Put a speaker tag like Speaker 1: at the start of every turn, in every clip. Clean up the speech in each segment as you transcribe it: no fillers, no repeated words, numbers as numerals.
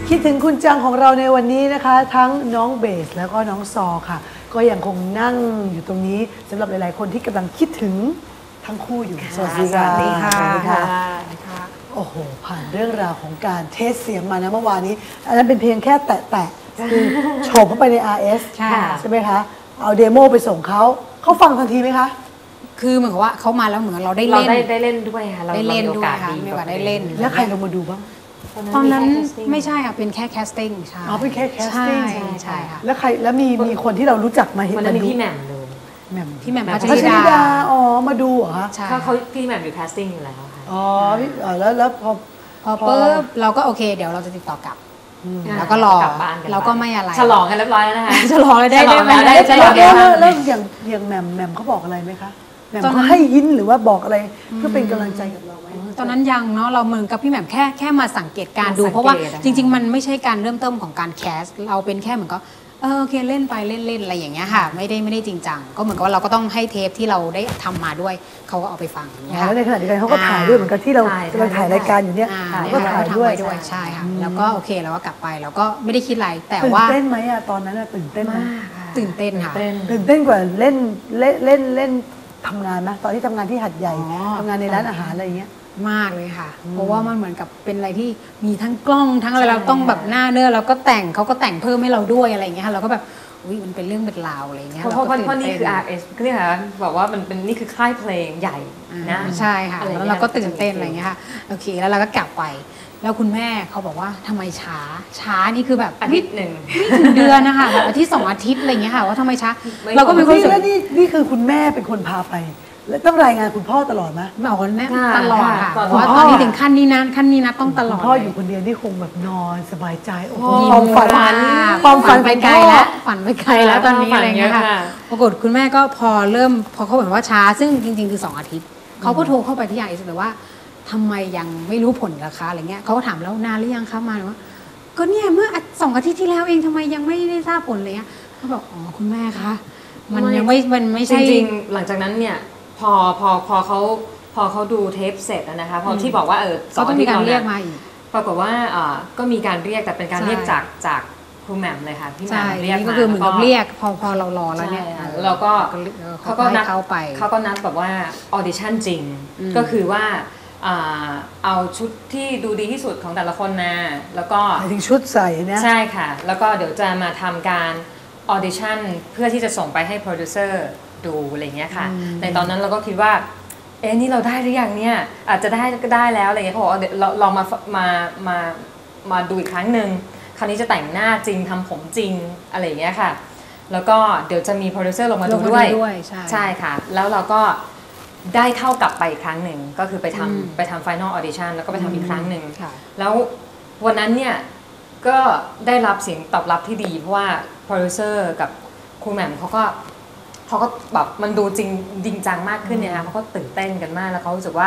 Speaker 1: คิดถึงคุณจังของเราในวันนี้นะคะทั้งน้องเบสแล้วก็น้องซอค่ะก็ยังคงนั่งอยู่ตรงนี้สำหรับหลายๆคนที่กำลังคิดถึงทั้งคู่อยู่สวัสดีค่ะ
Speaker 2: สวัสดีค่ะ
Speaker 1: โอ้โหผ่านเรื่องราวของการเทสเสียงมานะเมื่อวานนี้อันนั้นเป็นเพียงแค่แตะคือโฉบเข้าไปใน RS ใช่ไหมคะเอาเดโมไปส่งเขาฟังทันทีไหมคะ
Speaker 2: คือเหมือนกับว่าเขามาแล้วเหมือนเราได้
Speaker 3: เล่นด้วยค่ะ
Speaker 2: ได้เล่นด้วยค่ะมีโอกาสได้เล่น
Speaker 1: แล้วใครลงมาดูบ้าง
Speaker 2: ตอนนั้นไม่ใช่ค่ะเป็นแค่แคสติ้งใช่
Speaker 1: เป็นแค่แคสติ้ง
Speaker 2: ใช่ค่ะ
Speaker 1: แล้วใครแล้วมีคนที่เรารู้จักมาเห็น
Speaker 3: วันนั้นมีพี่แหม่มดู
Speaker 2: พี่แหม่มพัช
Speaker 1: ริ
Speaker 2: ดา
Speaker 1: อ๋อมาดูเหรอคะ
Speaker 3: เขาพี่แหม่มอยู่แคสติ้งอยู่แล้วค่ะ
Speaker 1: อ๋อแล้วพอ
Speaker 2: ปุ๊บเราก็โอเคเดี๋ยวเราจะติดต่อกลับแล้วก็รอเราก็ไม่อะไร
Speaker 3: ฉลองกันเรียบร้อยแล้วนะคะ
Speaker 2: ฉลองเลยได้
Speaker 1: ฉลองแล้วอย่างแหม่มเขาบอกอะไรไหมคะแหม่มเขาให้ยิ้นหรือว่าบอกอะไรเพื่อเป็นกำลังใจกับเราไหม
Speaker 2: ตอนนั้นยังเนาะเราเหมือนกับพี่แหม่มแค่มาสังเกตการดูเพราะว่าจริงๆมันไม่ใช่การเริ่มต้นของการแคสเราเป็นแค่เหมือนก็โอเคเล่นไปเล่นอะไรอย่างเงี้ยค่ะไม่ได้จริงจังก็เหมือนกับว่าเราก็ต้องให้เทปที่เราได้ทำมาด้วยเขาก็เอาไปฟัง
Speaker 1: แล้วในขณะเดียวกันเขาก็ถ่ายด้วยเหมือนกับที่เรากำลังถ่ายรายการอยู่เนี่ย
Speaker 2: ก็ถ่ายด้วยใช่ค่ะแล้วก็โอเคเราก็กลับไปเราก็ไม่ได้คิดอะไรแต่ว่า
Speaker 1: ตื่นเต้นไหมอะตอนนั้นตื่นเต้นไหม
Speaker 2: ตื่นเต้นค่ะ
Speaker 1: ตื่นเต้นกว่าเล่นทำงานไหมตอนที่ทำงานที่หัดใหญ่ทำงานในร้านอาหารอะไรอย่างเงี้ย
Speaker 2: มากเลยค่ะเพราะว่ามันเหมือนกับเป็นอะไรที่มีทั้งกล้องทั้งอะไรเราต้องแบบหน้าเนื้อเราก็แต่งเขาก็แต่งเพิ่มให้เราด้วยอะไรอย่างเงี้ยเราก็แบบมันเป็นเรื่องเป็นราวอะไรเงี้ย
Speaker 3: เพราะนี่คือ RS ก็เนี่ยค่ะบอกว่ามันเป็นนี่คือค่ายเพลงใหญ่นะ
Speaker 2: ใช่ค่ะแล้วเราก็ตื่นเต้นอะไรเงี้ยค่ะโอเคแล้วเราก็กลับไปแล้วคุณแม่เขาบอกว่าทำไมช้านี่คือแบบ
Speaker 3: อาทิตย์หนึ่ง
Speaker 2: ไม่ถึงเดือนนะคะแบบอาทิตย์2 อาทิตย์อะไรเงี้ยค่ะว่าทำไมช้าเราก็เป็นคน
Speaker 1: แล้วนี่คือคุณแม่เป็นคนพาไปแล้วต้องรายงานคุณพ่อตลอดไหม
Speaker 2: บอกคุณแม่ตลอดค่ะเพราะว่าตอนนี้ถึงขั้นนี้นะต้องตลอด
Speaker 1: พ่ออยู่คนเดียวนี่คงแบบนอนสบายใจ
Speaker 2: ความฝันไปไกลแล้วฝันไปไกลแล้วตอนนี้อะไรเงี้ยค่ะปรากฏคุณแม่ก็พอเขาบอกว่าช้าซึ่งจริงๆคือ2 อาทิตย์เขาก็โทรเข้าไปที่RSเลยว่าทำไมยังไม่รู้ผลราคาอะไรเงี้ยเขาก็ถามแล้วนานหรือยังคะมาว่าก็เนี่ยเมื่อ2 อาทิตย์ที่แล้วเองทำไมยังไม่ได้ทราบผลเลยเขาบอกอ๋อคุณแม่คะมันยังไม่ใช่
Speaker 3: จริงๆหลังจากนั้นเนี่ยพอเขาดูเทปเสร็จนะคะพอที่บอกว่า
Speaker 2: เขาต้องมีการเรียกมาอีก
Speaker 3: ปรากฏว่าก็มีการเรียกแต่เป็นการเรียกจากครูแหม่มเลยค่ะพี่แหม่มเรียก
Speaker 2: ก็คือเหมือนกับเรียกพอเรารอแล้วเนี่ย
Speaker 3: เราก็
Speaker 2: เขาก็นัด
Speaker 3: เขาก็นัดแบบว่าออดิชั่นจริงก็คือว่าเอาชุดที่ดูดีที่สุดของแต่ละคนมาแล้วก็
Speaker 1: ถึงชุดใส่เนี่ย
Speaker 3: ใช่ค่ะแล้วก็เดี๋ยวจะมาทำการออดิชั่นเพื่อที่จะส่งไปให้โปรดิวเซอร์ดูอะไรเงี้ยค่ะในตอนนั้นเราก็คิดว่านี่เราได้หรือยังเนี่ยอาจจะได้ก็ได้แล้วอะไรเงี้ยเขาบอกเรามาดูอีกครั้งหนึ่งคราวนี้จะแต่งหน้าจริงทำผมจริงอะไรเงี้ยค่ะแล้วก็เดี๋ยวจะมีโปรดิวเซอร์ลงมาดูด้วยใช่ค่ะแล้วเราก็ได้เข้ากลับไปอีกครั้งหนึ่งก็คือไปทำ Final Audition แล้วก็ไปทำอีกครั้งหนึ่งแล้ววันนั้นเนี่ยก็ได้รับเสียงตอบรับที่ดีเพราะว่าโปรดิวเซอร์กับครูแหม่มเขาก็แบบมันดูจริงจังมากขึ้นเนี่ยนะเขาก็ตื่นเต้นกันมากแล้วเขารู้สึกว่า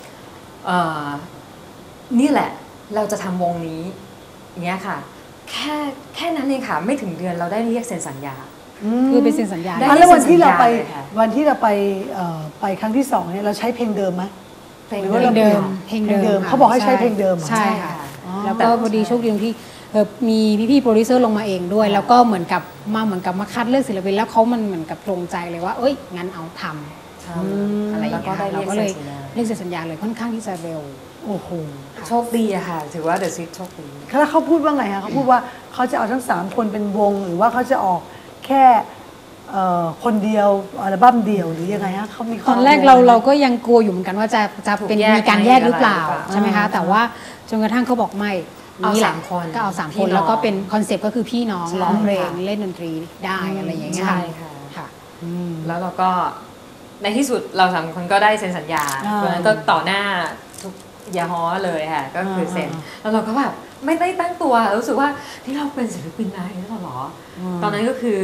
Speaker 3: นี่แหละเราจะทำวงนี้อย่างเงี้ยค่ะแค่นั้นเองค่ะไม่ถึงเดือนเราได้เรียกเซ็นสัญญา
Speaker 2: คือเป็นเซ็นสัญญา
Speaker 1: แล้ววันที่เราไปครั้งที่2เนี่ยเราใช้เพลงเดิมไหม
Speaker 2: เพลงเดิม
Speaker 1: เขาบอกให้ใช้เพลงเดิม
Speaker 2: ใช่ค่ะแล้วก็พอดีโชคดีที่มีพี่ๆโปรดิวเซอร์ลงมาเองด้วยแล้วก็เหมือนกับมาคัดเลือกศิลปินแล้วเขามันเหมือนกับตรงใจเลยว่างั้นเอาทำอะไรอย่างเงี้ยเราก็เลยเรียกเซ็นสัญญาเลยค่อนข้างที่จะเร็ว
Speaker 1: โอ้โห
Speaker 3: โชคดีอะค่ะถือว่าเดอะซิตโชคดี
Speaker 1: แล้วเขาพูดว่าไงคะเขาพูดว่าเขาจะเอาทั้ง3 คนเป็นวงหรือว่าเขาจะออกแค่คนเดียวอัลบั้มเดียวหรือยังไงฮะเขามี
Speaker 2: ตอนแรกเราก็ยังกลัวอยู่เหมือนกันว่าจะเป็นมีการแยกหรือเปล่าใช่ไหมคะแต่ว่าจนกระทั่งเขาบอกไม่
Speaker 3: เอา3 คน
Speaker 2: ก็เอา3 คนแล้วก็เป็นคอนเซปต์ก็คือพี่น้องร้องเพลงเล่นดนตรีได้อะไรอย่างเงี้ย
Speaker 3: ใช่ค่ะแล้วเราก็ในที่สุดเรา3 คนก็ได้เซ็นสัญญาวันนั้นก็ต่อหน้าทุกยาฮอเลยค่ะก็คือเซ็นแล้วเราก็แบบไม่ได้ตั้งตัวรู้สึกว่าที่เราเป็นศิลปินนายแล้วหรอตอนนั้นก็คือ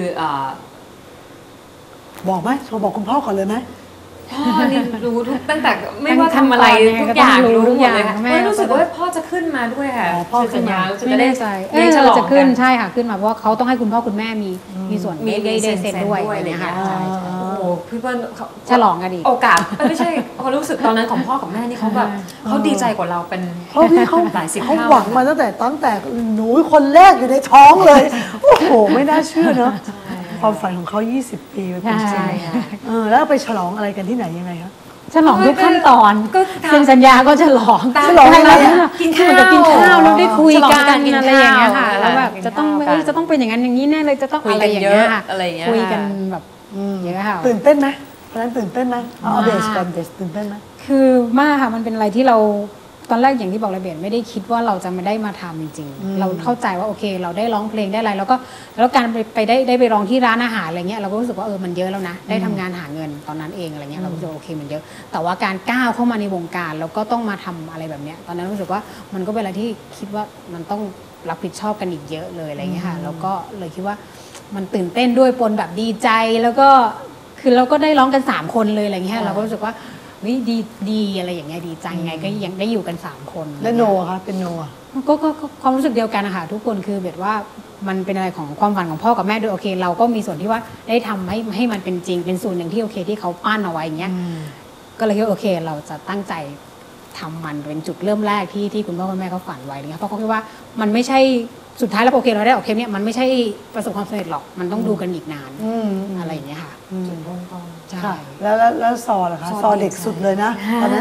Speaker 1: บอกไหมโทรบอกคุณพ่อก่อนเลยไหม
Speaker 3: พ่อนี่รู้ทุกตั้งแต่ไม่ว่าทำอะไรทุกอย่างรู้หมดเลยค่ะไม่รู้สึกว่าพ่อจะขึ้นมาด้วยค่ะ
Speaker 1: พ่อ
Speaker 3: สัญญา
Speaker 2: จะได้ใจจะขึ้นใช่ค่ะขึ้นมาเพราะว่าเขาต้องให้คุณพ่อคุณแม่มีส่วนได้เซ็นด้วยอะไรอย่างเงี้ยค่ะ
Speaker 1: โอ้
Speaker 3: พี่เปิ้ลเขา
Speaker 2: ฉลองกันอีก
Speaker 3: โอกาสไม่ใช่เขารู้สึกตอนนั้นของพ่อกับแม่นี่เขาแบบเขาดีใจกว่าเราเป็น
Speaker 1: เพราะพี่เขา
Speaker 3: หลายสิบ
Speaker 1: เขา
Speaker 3: เท่า
Speaker 1: หวังมาตั้งแต่หนูคนแรกอยู่ในท้องเลย โอ้โห ไม่น่าเชื่อเนอะความฝันของเขา20 ปีมันเป็นจริ
Speaker 2: ใช่
Speaker 1: ง
Speaker 2: ค่ะ
Speaker 1: แล้วไปฉลองอะไรกันที่ไหนยังไงคะ
Speaker 2: ฉลองทุกขั้นตอน
Speaker 3: ก็ทำ
Speaker 2: เซ็นสัญญาก็ฉลอง
Speaker 1: ฉลองอะไรอะ
Speaker 3: กินข้าว
Speaker 2: เหมือนกับกินข้าวแล้วได้คุย
Speaker 3: ฉลอง
Speaker 2: กั
Speaker 3: การ
Speaker 2: น
Speaker 3: กิน
Speaker 2: อะไรอย่างเงี้ยค่ะ
Speaker 3: ข้าว
Speaker 2: แล้วแบบ
Speaker 3: กิน
Speaker 2: จะต้อง
Speaker 3: ข้าวกัน
Speaker 2: จะต้องเป็นอย่างนั้นอย่างนี้แน่เลยจะต้อง
Speaker 3: คุย
Speaker 2: อะไร
Speaker 3: กัน
Speaker 2: อย่าง
Speaker 3: เย
Speaker 2: เงี้ย
Speaker 3: อะ
Speaker 2: ค่ะ
Speaker 3: อะไรอย่างเงี้ย
Speaker 2: คุยกันแบบเยอะค่ะ
Speaker 1: ตื่นเต้นไหมตอนนั้นตื่นเต้นไหมเอาเบสก่อนเบสตื่นเต้นไหม
Speaker 2: คือมากค่ะมันเป็นอะไรที่เราตอนแรกอย่างที่บอกเลยเบนไม่ได้คิดว่าเราจะไม่ได้มาทำจริงๆเราเข้าใจว่าโอเค เราได้ร้องเพลงได้อะไรแล้วการไปร้องที่ร้านอาหารอะไรเงี้ยเราก็รู้สึกว่ามันเยอะแล้วนะได้ทำงานหาเงินตอนนั้นเองอะไรเงี้ยเรารู้สึกว่าโอเคมันเยอะ แต่ว่าการก้าวเข้ามาในวงการแล้วก็ต้องมาทำอะไรแบบเนี้ยตอนนั้นรู้สึกว่ามันก็เป็นอะไรที่คิดว่ามันต้องรับผิดชอบกันอีกเยอะเลยอะไรเงี้ยค่ะแล้วก็เลยคิดว่ามันตื่นเต้นด้วยปนแบบดีใจแล้วก็คือเราก็ได้ร้องกัน3 คนเลยอะไรเงี้ยเราก็รู้สึกว่าดีอะไรอย่างเงี้ยดีใจไงก็ยังได้อยู่กัน3 คน
Speaker 1: และโนอะคะเป็นโนอะ
Speaker 2: ก็ความรู้สึกเดียวกันนะคะทุกคนคือแบบว่ามันเป็นอะไรของความฝันของพ่อกับแม่ด้วยโอเค เราก็มีส่วนที่ว่าได้ทำให้มันเป็นจริงเป็นส่วนหนึ่งที่โอเคที่เขาปั้นเอาไว้อย่างเงี้ยก็เลยคิดว่าโอเคเราจะตั้งใจทำมันเป็นจุดเริ่มแรกที่คุณพ่อคุณแม่เขาฝันไว้เนี่ยเพราะเขาคิดว่ามันไม่ใช่สุดท้ายแล้วโอเคเราได้ออกเทปเนี่ยมันไม่ใช่ประสบความสำเร็จหรอกมันต้องดูกันอีกนานอะไรอย่างเงี้ยค่ะใช่
Speaker 1: ค่ะแล้วซอล่ะคะซอเด็กสุดเลยนะตอนนั้น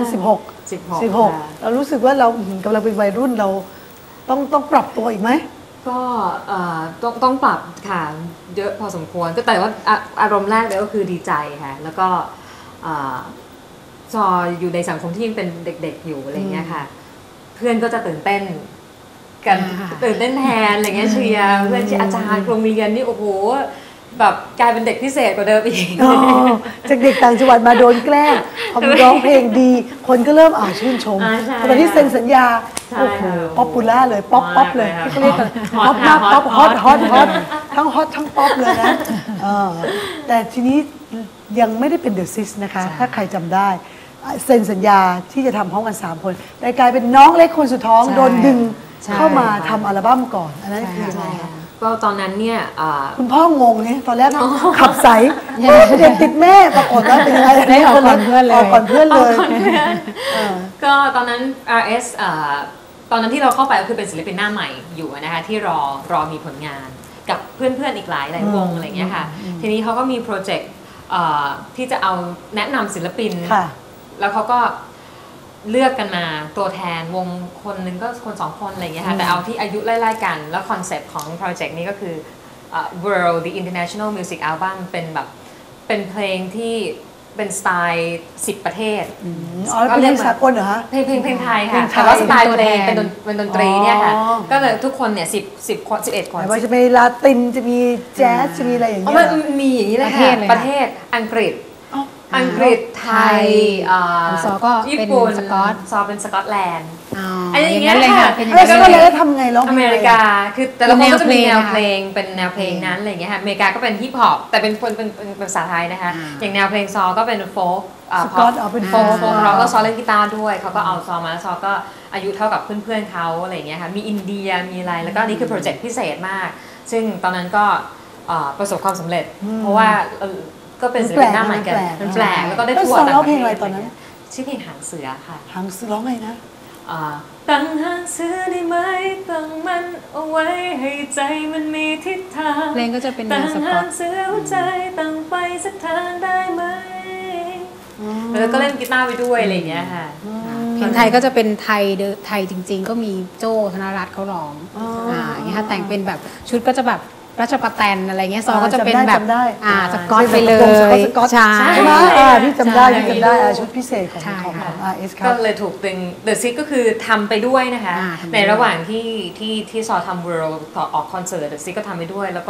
Speaker 1: 16เรารู้สึกว่าเรากำลังเป็นวัยรุ่นเราต้องปรับตัวอีกไหม
Speaker 3: ก็ต้องปรับค่ะเยอะพอสมควรก็แต่ว่าอารมณ์แรกเลยก็คือดีใจค่ะแล้วก็ซออยู่ในสังคมที่ยังเป็นเด็กๆอยู่อะไรเงี้ยค่ะเพื่อนก็จะตื่นเต้นกันตื่นเต้นแทนอะไรเงี้ยเชียร์เพื่อนที่อาจารย์โรงเรียนนี่โอ้โหแบบกลายเป็นเด็กพิเศษกว่าเดิมอีก
Speaker 1: จากเด็กต่างจังหวัดมาโดนแกล้งพอมาร้องเพลงดี คนก็เริ่มชื่นชม
Speaker 3: ใช่
Speaker 1: ตอนที่เซ็นสัญญา
Speaker 3: ใช่
Speaker 1: โอ้โห
Speaker 3: ค่ะ
Speaker 1: ป๊อปปูล่าเลยป๊อปเลย
Speaker 3: มากเลย
Speaker 1: ที่เขาเรียกกัน
Speaker 3: ฮอ
Speaker 1: ป๊อ
Speaker 3: ต
Speaker 1: ปมาก
Speaker 3: ค่ะ
Speaker 1: ป๊อป
Speaker 3: ฮ
Speaker 1: ฮ
Speaker 3: อ
Speaker 1: อ
Speaker 3: ต
Speaker 1: ตทั้งฮอตทั้งป๊อปเลยนะแต่ทีนี้ยังไม่ได้เป็นเดอะซิสนะคะ ถ้าใครจำได้เซ็นสัญญาที่จะทำพร้อมกัน3 คนแต่กลายเป็นน้องเล็กคนสุดท้องโดนดึงเข้ามาทำอัลบั้มก่อนอันนั้นคือยังไงคะ
Speaker 3: ก็ตอนนั้นเนี่ย
Speaker 1: คุณพ่องงเนี่ยตอนแรกขับใสเด็กติดแม่ปรากฏว่าเป็นยังไง
Speaker 2: ได้ออกก่อนเพื่อนเลย
Speaker 1: ออกก่อนเพื่อนเลย
Speaker 3: ก็ตอนนั้น RS ตอนนั้นที่เราเข้าไปก็คือเป็นศิลปินหน้าใหม่อยู่นะคะที่รอมีผลงานกับเพื่อนๆอีกหลายวงอะไรอย่างเงี้ยค่ะทีนี้เขาก็มีโปรเจกต์ที่จะเอาแนะนำศิลปิน แล้วเขาก็เลือกกันมาตัวแทนวงคนหนึ่งก็คน2 คนอะไรอย่างเงี้ยค่ะแต่เอาที่อายุไล่ๆกันแล้วคอนเซปต์ของโปรเจกต์นี้ก็คือ World the International Music Album เป็นแบบเป็นเพลงที่เป็นสไตล์10 ประเทศ
Speaker 1: อ๋อแล้วเป็นเพลงสากลเหรอคะ
Speaker 3: เพลงไทย
Speaker 1: เพล
Speaker 3: ค่ะ
Speaker 1: งไทย
Speaker 3: แต่ว่าสไตล์เพลงเป็นดนตรีเนี่ยค่ะ
Speaker 1: อ๋อ
Speaker 3: ก็เลยทุกคนเนี่ย10 คน 11 คน
Speaker 1: แต่ว่าจะมีลาตินจะมีแจ๊สจะมีอะไรอย่าง
Speaker 3: อ๋อ
Speaker 1: เงี้ย
Speaker 3: มัน
Speaker 1: เหรอ
Speaker 3: มีอย่างนี้เลย
Speaker 2: ประเท
Speaker 3: ค่ะ
Speaker 2: ศเลย
Speaker 3: ประเทศอังกฤษ
Speaker 1: อ๋อ
Speaker 3: อังกฤษไทย
Speaker 2: ของซอก็
Speaker 3: ญี่
Speaker 2: เป็น
Speaker 3: ปุ่น
Speaker 2: สกอต
Speaker 3: ซอเป็นสกอตแลนด์
Speaker 2: อ๋อ
Speaker 3: อันนี้
Speaker 2: อย่างนั้นเลยค่ะเป็นอย่าง
Speaker 1: แล้
Speaker 2: นั้
Speaker 1: วน ก็
Speaker 2: เล
Speaker 1: เลย
Speaker 2: ย
Speaker 1: ทำไงร้องเพลง
Speaker 3: อเมริกาคือแต่ละคนก็จะมีแนวเพลง
Speaker 2: เป็นแนวเพลง
Speaker 3: เป็นแนวเพลงนั้นอะไรอย่างเงี้ยค่ะอเมริกาก็เป็นฮิปฮอปแต่เป็นภาษาไทยนะคะอย่างแนวเพลงซอก็เป็นโฟล์
Speaker 1: สกอตเอาเป็น
Speaker 3: โฟล์เราก็ซอเล่นกีตาร์ด้วยเขาก็เอาซอมาแล้วซอก็อายุเท่ากับเพื่อนๆเขาอะไรอย่างเงี้ยค่ะมีอินเดียมีอะไรแล้วก็นี่คือโปรเจกต์พิเศษมาก ซึ่งตอนนั้นก็ประสบความสำเร็จ เพราะว่าก็เป็นศิลปินหน้าใหม่กันมันแปลกแล้วก็ได้
Speaker 1: แล้ว
Speaker 3: ทัว
Speaker 1: ซอ
Speaker 3: ร์
Speaker 1: ร้องเพลงอะไรตอนนั้น
Speaker 3: ชื่อเพลงหางเสือค่ะ
Speaker 1: หางร้องไงนะ
Speaker 3: ตั้งหางเสือได้ไหมตั้งมันเอาไว้ให้ใจมันมีทิศทาง
Speaker 2: เพลงก็จะเป็นแน
Speaker 3: ตั้
Speaker 2: ว
Speaker 3: ง
Speaker 2: สกอ
Speaker 3: หา
Speaker 2: ต
Speaker 3: งเสือหัวใจตั้งไปสักทางได้ไหมแล้วก็เล่นกีตาร์ไปด้วยอะไรอย่างเงี้ยค่ะ
Speaker 2: เพลงไทยก็จะเป็นไทยจริง ๆ ก็มีโจ้ธนรัตน์เขาร้องอย่างเงี้ยค่ะแต่งเป็นแบบชุดก็จะแบบราชประแตนอะไรเงี้ยซอก็จะเป็นแบบ
Speaker 1: จำได้
Speaker 2: สกอตไปเลย
Speaker 1: สกอต
Speaker 2: ใช่
Speaker 1: ใช่ไหมพี่จำได้พี่จำได้ชุดพิเศษของ
Speaker 2: ใช่
Speaker 1: ของ
Speaker 2: ค่ะ
Speaker 1: RS ครั
Speaker 3: ก็
Speaker 1: บ
Speaker 3: เลยถูกตึง The Six ก็คือทำไปด้วยนะคะ
Speaker 2: ทำไปด้วย
Speaker 3: ในระหว่างที่ซอทำ World ต่อออกคอนเสิร์ต The Six ก็ทำไปด้วย แล้วก็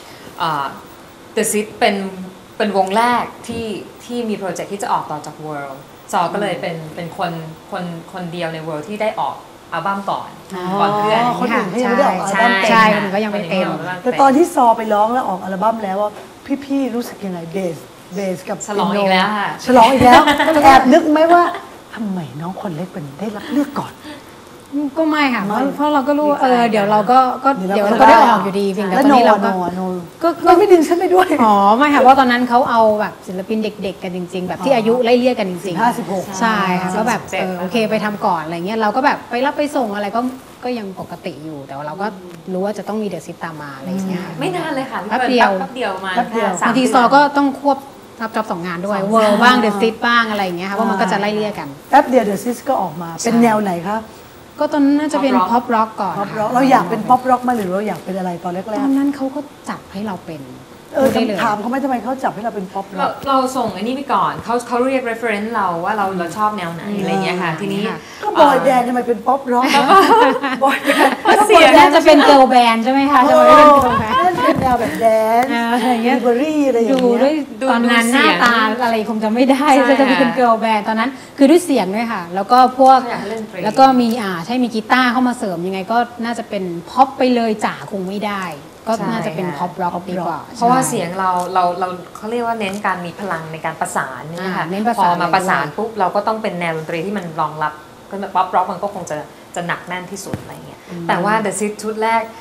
Speaker 3: The Six เป็นวงแรกที่มีโปรเจกต์ที่จะออกต่อจาก World ซอก็เลยเป็นคนเดียวใน World ที่ได้ออกอัลบั้มก่อนเพื่อน
Speaker 1: คนอื่นเขายังไม่ได้ออกอัลบั้มเต็ม
Speaker 2: ใช่คนอื่นก็ยังไม่เต็ม
Speaker 1: แต่ตอนที่ซอไปร้องแล้วออกอัลบั้มแล้วว่าพี่ๆรู้สึกยังไงเบสกับ
Speaker 3: ฉลองอีกแล้วค่ะ
Speaker 1: ฉลองอีกแล้วแอบนึกไหมว่าทำไมน้องคนเล็กเป็นได้รับเลือกก่อน
Speaker 2: ก็ไม่ค่ะ
Speaker 1: ไม่
Speaker 2: เพราะเราก็รู้ว่า
Speaker 3: ดีใจ
Speaker 2: เดี๋ยวเราก็เดี๋ยวเราก็ได้ออกอยู่ดีเพียงแต่
Speaker 1: แล้ว
Speaker 2: ตอน
Speaker 1: โน
Speaker 2: นี้เราก็
Speaker 1: โน
Speaker 2: ก็
Speaker 1: ก็ไม่ดึงฉันไปด้วย
Speaker 2: อ๋อไม่ค่ะเพราะตอนนั้นเขาเอาแบบศิลปินเด็ก ๆ กันจริง ๆ แบบที่อายุไล่เลี่ยกันจริงๆ
Speaker 1: 15-16
Speaker 2: ใช่ค่ะก็แบบ
Speaker 3: 17
Speaker 2: โอเคไปทำก่อนอะไรเงี้ยเราก็แบบไปรับไปส่งอะไรก็ยังปกติอยู่ แต่ว่าเราก็รู้ว่าจะต้องมีเดอะซิตตามมาอะไรเงี้ย
Speaker 3: ไม่นานเลยค่ะ
Speaker 2: แป๊บเดียว
Speaker 3: แป๊บเดียวมา
Speaker 1: แป๊บเดียว
Speaker 3: สาม
Speaker 2: บางที
Speaker 3: เดืน
Speaker 2: ซอก็ต้องควบรับจ็อบ2 งานด้วย
Speaker 3: 2
Speaker 2: เวิร์บ้างเดอะซิตบ้างอะไรอย่างเงี้ยค่ะว่ามันก็จะไล่เลี่ยกัน
Speaker 1: แป๊บเดียวเดอะซิสก็ออกมา เป็นแนวไหนคะ
Speaker 2: ก็ตอนนั้นน่าจะเป็น
Speaker 3: Pop rock
Speaker 2: พ็อปร็อกก่อน
Speaker 1: ป๊อปร็อกเราอยากเป็นป๊อปร็อกมาหรือเราอยากเป็นอะไรตอนแร
Speaker 2: ต
Speaker 1: ก
Speaker 2: อนนั้นเขาก็จับให้เราเป็นพูดได้เลย
Speaker 1: ถามเขาไหม่ทำไมเขาจับให้เราเป็นป๊อปร็
Speaker 3: เรา
Speaker 1: อก
Speaker 3: เราส่งอันนี้ไปก่อนเขาเรียก reference เราว่าเราชอบแนวไหนอะไรเงี้ยค่ะ ทีนี้
Speaker 1: ก็บอยแดนด์ทำไมเป็นป๊อปร็อกบอยแดนด์
Speaker 3: เสียง
Speaker 2: น่าจะเป็นเกิร์ลแบนด์ใช่ไหมคะจะไม่เป็นเกิร์ลแบนด์
Speaker 1: นั่นเป็นแนวแบบแดนซ์
Speaker 2: อะไรอย่างเงี้ย
Speaker 1: เบอรี่อะไรอย่าง
Speaker 2: ดู
Speaker 1: เงี้ย
Speaker 2: ด้วยตอนนั้นหน้าตาอะไรคงจะไม่ได้
Speaker 3: ใช่
Speaker 2: จะเป็นเกิร์ลแบนด์ตอนนั้นคือด้วยเสียงด้วยค่ะ แล้วก็พวก
Speaker 3: อยากเล่นดนตรี
Speaker 2: แล้วก็มีใช่มีกีตาร์เข้ามาเสริมยังไงก็น่าจะเป็นพ็อปไปเลยจ๋าคงไม่ได้ ก็น่าจะเป็นพ็อปร็อกดีกว่า
Speaker 3: เพราะว่า
Speaker 2: ใช่
Speaker 3: เสียงเราเขาเรียกว่าเน้นการมีพลังในการประสานเนี่ยค่ะ
Speaker 2: เน้นประ
Speaker 3: พ
Speaker 2: สา
Speaker 3: อน มาประสานปุ๊บเราก็ต้องเป็นแนวดนตรีที่มันรองรับก็แบบป๊อปร็อกมันก็คงจะหนักแน่นที่สุดอะไรเงี้ยแต่ว่า The Six ชุดแรก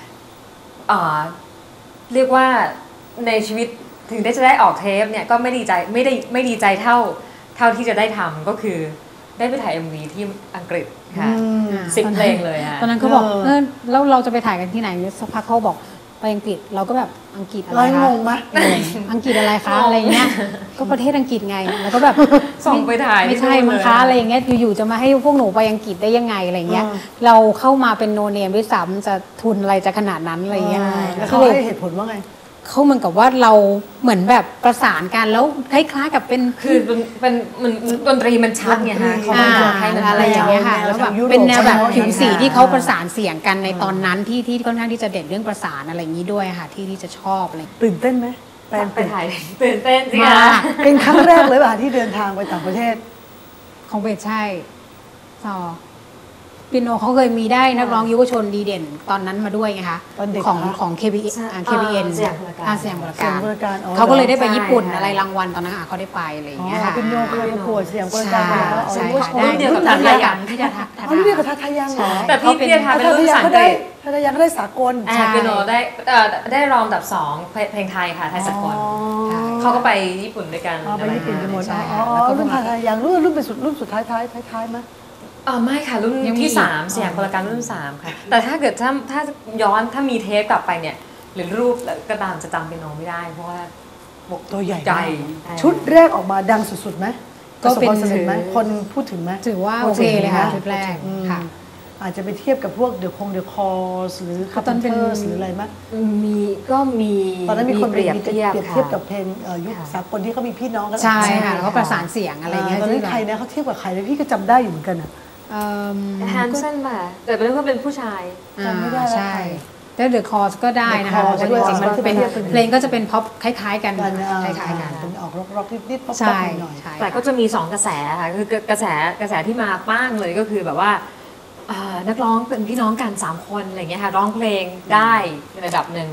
Speaker 3: เรียกว่าในชีวิตถึงจะได้ออกเทปเนี่ยก็ไม่ดีใจเท่าที่จะได้ทำก็คือได้ไปถ่าย MV ที่อังกฤษค่ะ 10 เพลงเลยค่ะ
Speaker 2: ตอนนั้นเขาบอกแล้วเราจะไปถ่ายกันที่ไหนสักพักเขาบอกไปอังกฤษเราก็แบบอังกฤษอะไร
Speaker 1: ร้อย
Speaker 2: คะ
Speaker 1: งงไหม
Speaker 2: อังกฤษอะไรคะอะไรเงี้ยก็ประเทศอังกฤษไงแล้วก็แบบ
Speaker 3: ส่งไปถ่าย
Speaker 2: ไม่ใช่
Speaker 3: ที่นู่น
Speaker 2: มั้ง
Speaker 3: เลย
Speaker 2: คะอะไรอย่างเงี้ยอยู่ๆจะมาให้พวกหนูไปอังกฤษได้ยังไงอะไรเงี้ย
Speaker 1: อ่า
Speaker 2: เราเข้ามาเป็นโนเนมด้วยซ้ำจะทุนอะไรจะขนาดนั้นอะไรเงี้ย
Speaker 1: แล้ว
Speaker 2: คื
Speaker 1: เขา
Speaker 2: อ
Speaker 1: ให้เหตุผลว่าไง
Speaker 2: เขาเหมือนกับว่าเราเหมือนแบบประสานกันแล้วคล้ายๆกับเป็น
Speaker 3: คือมันดนตรีมันชัดไงฮะเขาไม่อยากให้มัน
Speaker 2: อะไรอย่างเงี้ยค่ะแล้วแบบเป็นแนวแบบผิวสีที่เขาประสานเสียงกันในตอนนั้นที่ค่อนข้างที่จะเด่นเรื่องประสานอะไรอย่างนี้ด้วยค่ะที่จะชอบอะไร
Speaker 1: ตื่นเต้นไหมแฟน
Speaker 3: ไปถ่ายตื่นเต้นสิ
Speaker 2: มา
Speaker 3: คะ
Speaker 2: ก
Speaker 1: เป็นครั้งแรกเลยป่ะที่เดินทางไปต่างประเทศ
Speaker 2: ของเบสใช่ซอเปียโนเขาเคยมีได้นักร้องยุวชนดีเด่นตอนนั้นมาด้วยไงคะ
Speaker 1: ตอนเด็ก
Speaker 2: ของ
Speaker 1: เหรอ
Speaker 2: ของ KBN KBN
Speaker 3: สยามพลการ
Speaker 2: สยามพล
Speaker 1: เสียง
Speaker 2: การ
Speaker 1: บริการอ๋อ
Speaker 2: เขาก็เลยได้ไปญี่ปุ่น
Speaker 3: ใช่
Speaker 2: อะไรรางวัลตอนนั้นเขาได้ไปอะไรอย่าง
Speaker 1: อ๋อ
Speaker 2: เงี้ยค่ะ
Speaker 1: เป็นโยเคยประกวดเสียงบริ
Speaker 2: ใช่
Speaker 1: การมาแล้ว
Speaker 2: ใช่
Speaker 1: อ๋อ
Speaker 2: ค่ะได้
Speaker 3: รุ่นเดียวกับ
Speaker 2: ทั
Speaker 3: ทั
Speaker 2: ศ
Speaker 3: ศ
Speaker 2: น
Speaker 3: น
Speaker 2: ย
Speaker 3: ย
Speaker 2: านที่จะทัศ
Speaker 1: อ๋อนี่เรียกกับทัทายังเหรอ
Speaker 3: แต่พี่เพียทาเป็นรุ่นภาษาอังกฤษ
Speaker 1: ทัทายังก็ได้สากล
Speaker 3: อ่าเปียโนได้รองอันดับ2เพลงไทยค่ะไทยสากล
Speaker 1: อ๋อ
Speaker 3: เขาก็ไปญี่ปุ่นด้วยกัน
Speaker 1: อ๋อไปญี่ปุ่นกันหมด
Speaker 2: ใช่
Speaker 1: อ๋
Speaker 2: ค่ะ
Speaker 1: อ
Speaker 2: แล้วก็
Speaker 1: รุ่น
Speaker 2: มา
Speaker 1: ทัทายังรุ่นเป็นรุ่นสุดท้ายไหม
Speaker 3: ไม่ค่ะรุ่น
Speaker 2: ยังมี
Speaker 3: ที่
Speaker 2: อีก
Speaker 3: 3สยามพลการรุ่น3ค่ะแต่ถ้าเกิดถ้าย้อนถ้ามีเทปกลับไปเนี่ยหรือรูปก็ตามจะจำเปียโนไม่ได้เพราะว่า
Speaker 1: ตัวใหญ่
Speaker 3: ใหญ่
Speaker 1: ชุดแรกออกมาดังสุดๆไหม
Speaker 2: ก็เป็น
Speaker 1: ประสบความสำเร็จไหมคนพูดถึงไหม
Speaker 2: ถือว่าโอเคเลยค่ะชุดแรก
Speaker 1: อืม
Speaker 2: ค่ะ
Speaker 1: อาจจะไปเทียบกับพวกเดอะคอร์สหรือ
Speaker 2: ตอนเป็น
Speaker 1: หรืออะไรไหม
Speaker 3: ก็มี
Speaker 1: ตอนนั้นมีคน
Speaker 3: เปรียบเทียบ
Speaker 1: เทียบกับเพลงยุคสากลที่เขามีพี่น้องกัน
Speaker 2: ใช่ค่ะแล้วก็ประสานเสียงอะไรเงี้ย
Speaker 1: ตอน
Speaker 2: ที่
Speaker 1: นั้น
Speaker 2: แบบ
Speaker 1: ใครนะเขาเทียบกับใครเลยพี่ก็จำได้อยู่เหมือนกันอ่ะ
Speaker 2: เอิ่ม
Speaker 3: แฮนเซนป่ะแต่เป็นเรื่องเป็นผู้ชาย
Speaker 1: จำไม่ได้แล้ว
Speaker 2: ใช่
Speaker 1: ใคร
Speaker 2: แต่เดอะคอร์สก็ได้นะคะ
Speaker 1: The
Speaker 2: เพราะ
Speaker 1: Cause
Speaker 2: ว่าจริงๆมันเป็น
Speaker 1: ด้วย
Speaker 2: เพลงก็จะเป็นพ็อปคล้ายๆกัน
Speaker 1: กัน
Speaker 2: คล้ายๆกัน
Speaker 1: เป็นออกร็อกนิดๆป๊อป
Speaker 2: ใช่
Speaker 1: หน่อย
Speaker 2: ใช่
Speaker 3: แต่ก็จะมี2กระแสค่ะคือกระแสที่มาป้างเลยก็คือแบบว่านักร้องเป็นพี่น้องกัน3คนอะไรเงี้ยค่ะร้องเพลงได้ในระดับหนึ่ง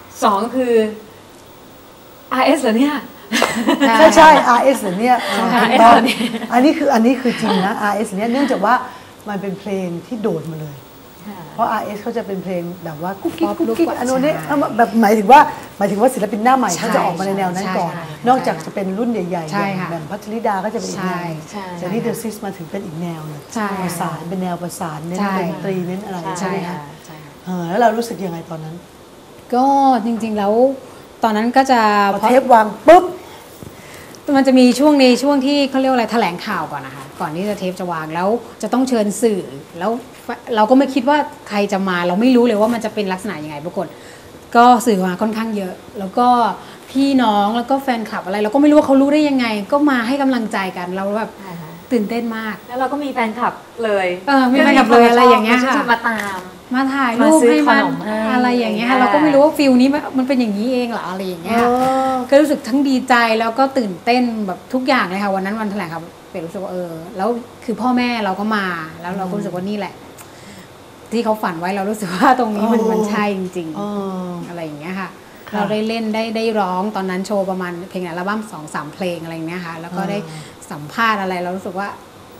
Speaker 3: 2ก็คือ RS เหรอเนี่ย
Speaker 1: ใช่ RS เหรอเนี่ย
Speaker 3: RS
Speaker 1: ตอน
Speaker 3: เหรอเนี่ย
Speaker 1: อันนี้คือจริงนะ RS เนี่ยเนื่องจากว่ามันเป็นเพลงที่โดดมาเลย เพราะ RS เขาจะเป็นเพลงแบบว่ากุ๊กกิ๊ก
Speaker 2: ป๊อป
Speaker 1: กุ๊ก
Speaker 2: ลูก
Speaker 1: กิ๊ก
Speaker 2: กว่า
Speaker 1: อันนู้นนี่
Speaker 2: ใช่
Speaker 1: เอามาแบบหมายถึงว่าศิลปินหน้าใหม่
Speaker 2: ใช่
Speaker 1: เขาจะออกมาในแนวนั้นก่อน
Speaker 2: ใช่
Speaker 1: นอกจากจะเป็นรุ่นใหญ่ๆ
Speaker 2: ใช่
Speaker 1: อย่าง
Speaker 2: ค่ะ
Speaker 1: แบบพัชริดาก็จะเป็นอีกแนว
Speaker 2: ใช่
Speaker 1: แต่นี่เดอะซิสมาถึงเป็นอีกแนวเลย
Speaker 2: ใช่
Speaker 1: ประสานเป็นแนวประสานเน้น
Speaker 2: ใช่
Speaker 1: ดนตรีเน้นอะไร
Speaker 3: ใช่
Speaker 1: ใช่ไหมคะ
Speaker 2: ใช่ค่ะ
Speaker 1: แล้วเรารู้สึกยังไงตอนนั้น
Speaker 2: ก็จริงๆแล้วตอนนั้นก็จะ
Speaker 1: พอเทปวางปุ๊บ
Speaker 2: มันจะมีช่วงในช่วงที่เขาเรียกว่าอะไรแถลงข่าวก่อนนะคะก่อนที่จะเทปจะวางแล้วจะต้องเชิญสื่อแล้วเราก็ไม่คิดว่าใครจะมาเราไม่รู้เลยว่ามันจะเป็นลักษณะยังไงปรากฏก็สื่อมาค่อนข้างเยอะ แล้วก็พี่น้องแล้วก็แฟนคลับอะไรเราก็ไม่รู้ว่าเขารู้ได้ยังไง ก็มาให้กำลังใจกันเราแบบตื่นเต้นมาก
Speaker 3: แล้วเราก็มีแฟนคลับเลย
Speaker 2: มีแฟนคลับเลยอะไรอย่างเงี้ยค่ะ
Speaker 3: จะมาตาม
Speaker 2: มาถ่ายรูป
Speaker 3: มาซื้อ
Speaker 2: ให้
Speaker 3: ข
Speaker 2: มัน
Speaker 3: นมให้
Speaker 2: อะไรอย่างเงี้ยค่ะเราก็ไม่รู้ว่าฟิลนี้มันเป็นอย่างนี้เองเหรออะไรอย่างเงี้ยค่ะ ก็รู้สึกทั้งดีใจแล้วก็ตื่นเต้นแบบทุกอย่างเลยค่ะวันนั้นวันแถลงข่าวเป็นรู้สึกว่าแล้วคือพ่อแม่เราก็มาแล้วเราก็รู้สึกว่านี่แหละ ที่เขาฝันไว้เรารู้สึกว่าตรงนี้มันใช่จริงๆอะไรอย่างเงี้ยค่ะ เราได้เล่นได้ร้องตอนนั้นโชว์ประมาณเพลงอัลบั้ม2-3 เพลงอะไรอย่างเงี้ยค่ะแล้วก็ได้สัมภาษณ์อะไรเรารู้สึกว่า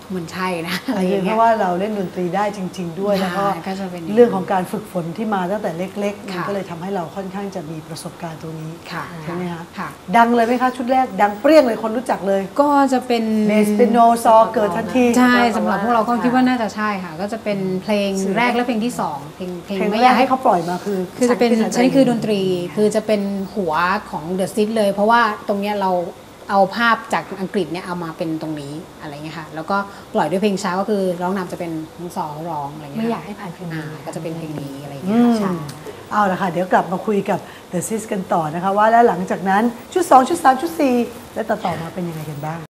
Speaker 2: มันใช่นะ
Speaker 1: อะไรอย่างเงี้ยเพราะว่าเราเล่นดนตรีได้จริง ๆ ด้วยแล้วก็
Speaker 2: ก็จะเป็นอย่างนั้น
Speaker 1: เรื่องของการฝึกฝนที่มาตั้งแต่เล็กๆมัน
Speaker 2: ค่ะ
Speaker 1: ก็เลยทำให้เราค่อนข้างจะมีประสบการณ์ตรงนี้
Speaker 2: ค่ะ
Speaker 1: ใช่ไหมคะ
Speaker 2: ค่ะ
Speaker 1: ดังเลยไหมคะชุดแรกดังเปรี้ยงเลยคนรู้จักเลย
Speaker 2: ก็จะเป็น
Speaker 1: เบสเปียโนซอเกิดทันที
Speaker 2: ใช่สำหรับพวกเราก็คิดว่าน่าจะใช่ค่ะ ก็จะเป็นเพลงแรกและเพลงที่สองเพลง
Speaker 1: เพลง
Speaker 2: ไม่
Speaker 1: แร
Speaker 2: อยาก ก
Speaker 1: ให้
Speaker 2: ให้
Speaker 1: เขาปล่อยมาคือ
Speaker 2: คือจะเป็น
Speaker 1: ฉั
Speaker 2: ฉันคือดนตรีคือจะเป็นหัวของ The s i t เลย เพราะว่าตรงเนี้ยเราเอาภาพจากอังกฤษเนี่ยเอามาเป็นตรงนี้อะไรเงี้ยค่ะแล้วก็ปล่อยด้วยเพลงช้าก็คือร้องนำจะเป็นน้องซอร้องอะไรเงี้ย
Speaker 4: ไม่อยากให้ผ่านเพลงนี้
Speaker 2: ก็จะเป็นเพลงนี้อะไร
Speaker 1: อื
Speaker 2: เงี้ย
Speaker 1: ม
Speaker 2: ค่ะ
Speaker 1: เอาละค่ะ เดี๋ยวกลับมาคุยกับ The Sis กันต่อนะคะว่าแล้วหลังจากนั้นชุด 2 ชุด 3 ชุด 4 และต่อมาเป็นยังไงกันบ้าง